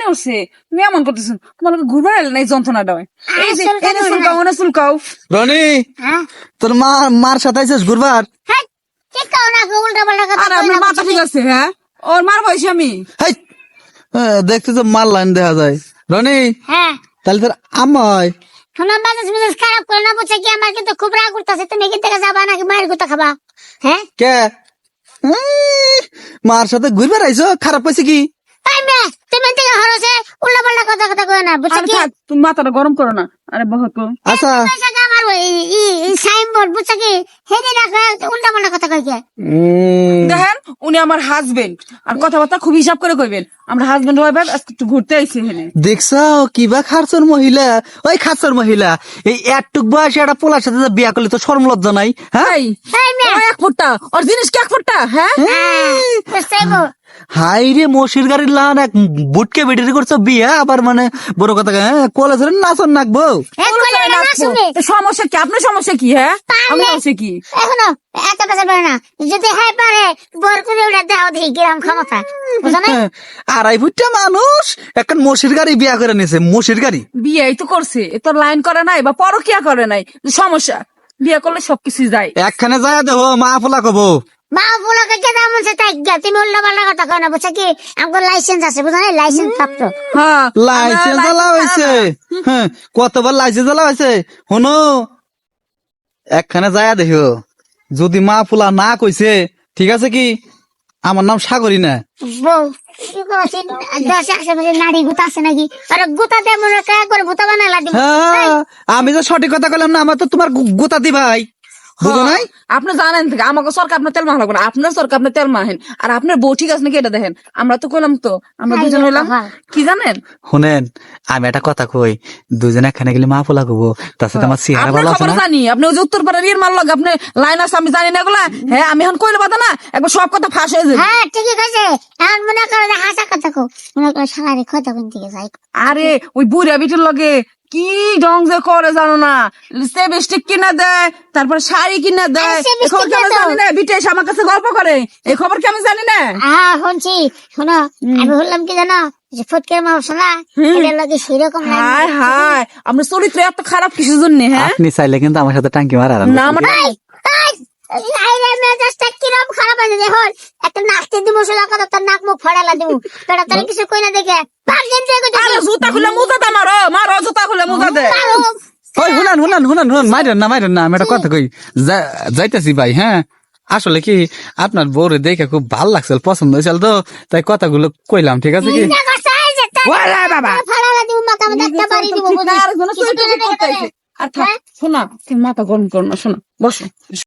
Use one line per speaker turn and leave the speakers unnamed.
উঠছে তুমি এমন করতেছো তোমার ঘুরবার এলে না এই যন্ত্রণাটা হয় এই যে এনে চুলকাও ওনে চুলকাও
রনি
হ্যাঁ
তোর মার সাথে আইছিস ঘুরবার?
হ্যাঁ ঠিক কাও না উল্টা পাল্টা কথা
আর আপনার মাথা ঠিক আছে হ্যাঁ ওর মার বয়সী আমি
হাই দেখতে তো মার লাইন দেখা যায়। রনি
হ্যাঁ
তাহলে তোর আমায়
শোনো বাজাজ খারাপ করে না বুঝছে কি আমার কিন্তু খুব রাগ করতেছে তুমি এখান থেকে যাবা নাকি মায়ের কথা খাবা হ্যাঁ
কে মার সাথে ঘুরবার আইছো? খারাপ পাইছে কি?
তাই মে তুমি থেকে হরছে উল্টা পাল্টা কথা কথা কই না বুঝছে
আরে
কি
থাক তুমি মাথাটা গরম করো না আরে বহুত
আচ্ছা
আমার সাইনবোর্ড বুঝছে কি হেডে রাখা উল্টা পাল্টা কথা কই কে
দেখেন উনি আমার হাজবেন্ড আর কথাবার্তা খুব হিসাব করে কইবেন আমরা হাজবেন্ড ওয়াইফ আজকে একটু ঘুরতে আইছি এখানে
দেখছো কিবা খারচর মহিলা, ওই খারচর মহিলা এই একটুক বয়সে একটা পোলার সাথে যে বিয়া করলে তো শরম লজ্জা নাই? হ্যাঁ
এই
তাই মে
ও এক ফুটটা ওর জিনিস কি এক ফুটটা হ্যাঁ
বুঝছেবো
হাই রে মশির গাড়ির লান এক বুটকে বেটির করছো বিয়া, আবার মানে বড় কথা কলেজের নাচন নাকবো।
এক কইলে না শুনে
তো সমস্যা কি আপনার সমস্যা কি হ্যাঁ আমি সমস্যা কি
এখনো এত বেশি পারে না যদি হ্যাঁ পারে বর করে ওটা দাও দেখি কিরম ক্ষমতা বুঝছো না
আড়াই ফুটটা মানুষ এখন মশির গাড়ি বিয়া করে নিয়েছে, মশির গাড়ি।
বিয়েই তো করছে এ তো লাইন করে নাই বা পরকিয়া করে নাই সমস্যা বিয়ে করলে সবকিছু যায়
একখানে যায় দেবো মা ফোলা কব।
মা বলাকে কে দাম আছে তাই গা তুমি উল্টা পাল্টা কথা কয় না বুঝছো কি আমার লাইসেন্স আছে বুঝছো না লাইসেন্স প্রাপ্ত
হ্যাঁ
লাইসেন্স জ্বালা হয়েছে, হ্যাঁ কতবার লাইসেন্স জ্বালা হয়েছে। শোনো একখানে যায় দেখো যদি মা ফুলা না কইছে ঠিক আছে কি আমার নাম সাগরী না।
বউ কি করছিস 10 আশেপাশে নারী গুতা আছে নাকি আরে গুতা দে মনে কা করে ভূতা বানালা দিব
হ্যাঁ আমি তো সঠিক কথা কইলাম না, আমার তো তোমার গোতা দি ভাই বুঝো নাই?
আপনি জানেন থেকে আমাকে সরকার আপনার তেল মাখা লাগবে না আপনার সরকার আপনার তেল মাহেন আর আপনার বউ ঠিক আছে নাকি এটা দেখেন আমরা তো কইলাম তো আমরা দুজন হইলাম কি জানেন
শুনেন আমি একটা কথা কই, দুজনে একখানে গেলে মা ফোলা কব, তার সাথে আমার চেহারা
আপনার
ভালো আছে
খবর
না?
জানি আপনি ওই যে উত্তর পাড়ার ইয়ের মাল লাগে আপনি লাইন আছে আমি জানি না এগুলা হ্যাঁ আমি এখন কইলে পাতা না একবার সব কথা ফাঁস হয়ে যাবে
হ্যাঁ ঠিকই আছে এখন মনে করে হাসা কথা কো মনে করে সারারে কথা কোন দিকে যাই
আরে ওই বুড়া বিটির লগে কি ঢং যে করে জানো না লিপস্টিক কিনা দেয় তারপর শাড়ি কিনা দেয়
আরে
এই খবর কি আমি
lipstick
জানি না বিটে এসে আমার কাছে গল্প করে এই খবর কি আমি জানি না
হ্যাঁ শুনছি শোনো আমি বললাম কি জানো যে ফটকের মা শোনা এটা লাগে সেরকম
হায় হায় আপনার চরিত্র এত খারাপ কিসের জন্য হ্যাঁ
আপনি চাইলে কিন্তু আমার সাথে টাঙ্কি মারা
না আমার
কিরম খারাপ আছে দেখুন একটা নাচতে দিব সোজা কথা তার নাক মুখ ফাড়ালা দিব তোরা তারা কিছু কই না দেখে ভাগেন যে
আরে জুতা খুলে মুজা দে মারো মারো জুতা খুলে মুজা দে
ওই শুনান মাইরেন না আমি একটা কথা কই যাইতেছি ভাই। হ্যাঁ আসলে কি আপনার বউরে দেখে খুব ভালো লাগছিল, পছন্দ হয়েছিল তো তাই কথাগুলো কইলাম ঠিক আছে কি?
ওরে বাবা
ফাড়ালা দিব মাথা মধ্যে একটা বাড়ি দিব
আর কোনো চরিত্র ঠিক করতে হইছে। আর থাক শোনা তুমি মাথা গরম করো না শোনা বসো